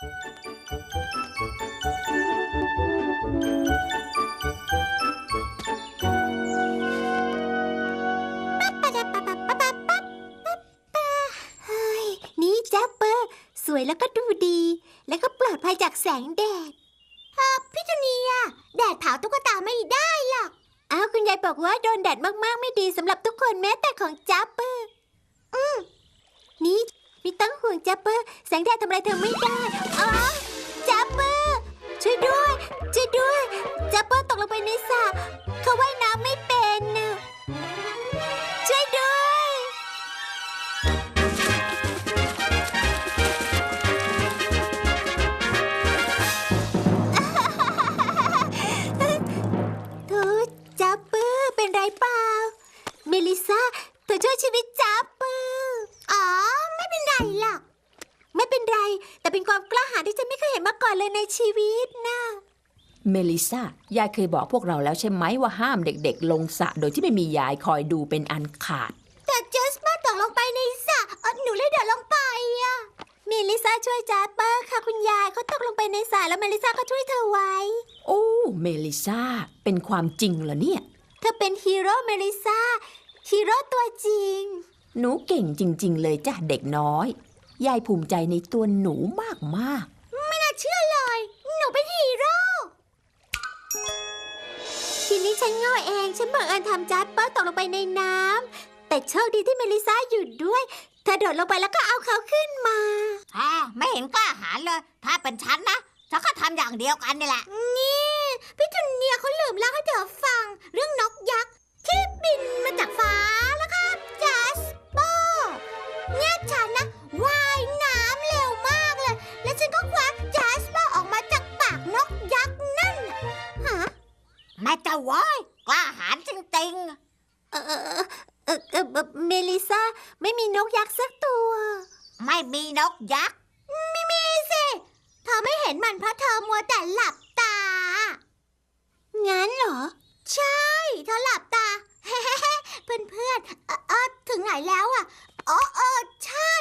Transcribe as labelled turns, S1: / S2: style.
S1: เฮ้ยนี่แจ๊ปเปอร์สวยแล้วก็ดูดี แล้วก็ปลอดภัยจากแสงแดดพี่จูเนียแดดเผาตุ๊กตาไม่ได้หรอกอ้าวคุณยายบอกว่าโดนแดดมากๆไม่ดีสำหรับทุกคนแม้แต่ของแจ๊ปเปอร์นี่มีตั้งห่วงแจ๊ปเปอร์แสงแดดทำอะไรเธอไม่ได้อ๋อแจ๊ปเปอร์ช่วยด้วยช่วยด้วยแจ๊ปเปอร์ตกลงไปในสระเขาว่ายน้ำไม่เป็นน่ะช่วยด้วยโธ่แจ๊ปเปอร์เป็นไรเปล่าเมลิซาเธอช่วยชีวิตแจ๊ปเปอร์อ๋อไม่เป็นไรหรอกไม่เป็นไรแต่เป็นความกล้าหาญที่ฉันไม่เคยเห็นมาก่อนเลยในชีวิตนะ
S2: เมลิซายายเคยบอกพวกเราแล้วใช่ไหมว่าห้ามเด็กๆลงสระโดยที่ไม่มียายคอยดูเป็นอันขาด
S1: แต่เจสเปอร์ตกลงไปในสระหนูเลยเดินลงไปอะเมลิซาช่วยแจ๊ปเปอร์ค่ะคุณยายเขาตกลงไปในสระแล้วเมลิซาก็ช่วยเธอไว้
S2: โอ้เมลิซาเป็นความจริงเหรอเนี่ย
S1: เธอเป็นฮีโร่เมลิซาฮีโร่ตัวจริง
S2: หนูเก่งจริงๆเลยจ้ะเด็กน้อยยายภูมิใจในตัวหนูมาก
S1: ๆไม่น่าเชื่อเลยหนูเป็นฮีโร่ทีนี้ฉันโง่เองฉันบังเอิญทำแจ๊ปเปอร์ตกลงไปในน้ำแต่โชคดีที่เมลิซาอยู่ด้วยเธอโดดลงไปแล้วก็เอาเขาขึ้นมา
S3: ไม่เห็นกล้าหาญเลยถ้าเป็นฉันนะฉันก็ทำอย่างเดียวกันนี่แหละ
S1: นี่พี่จูเนียร์เขาลืมเล่าให้เธอฟังเรื่องนกยักษ์ที่บินมาจากฟ้าแล้วครับแจ๊สเปอร์เนี่ยฉันนะว่ายน้ำเร็วมากเลยและฉันก็คว้าแจ๊สเปอร์ออกมาจากปากนกยักษ์นั่นฮะ
S3: แม่เจ้าว้ยกล้าหาญจริง
S1: เมลิซาไม่มีนกยักษ์สักตัว
S3: ไม่มีนกยักษ์
S1: ไม่มีสิเธอไม่เห็นมันเพราะเธอมัวแต่หลับตางั้นเหรอใช่เธอหลับตาเฮ้เพื่อนถึงไหนแล้วอ่ะอ๋อใช่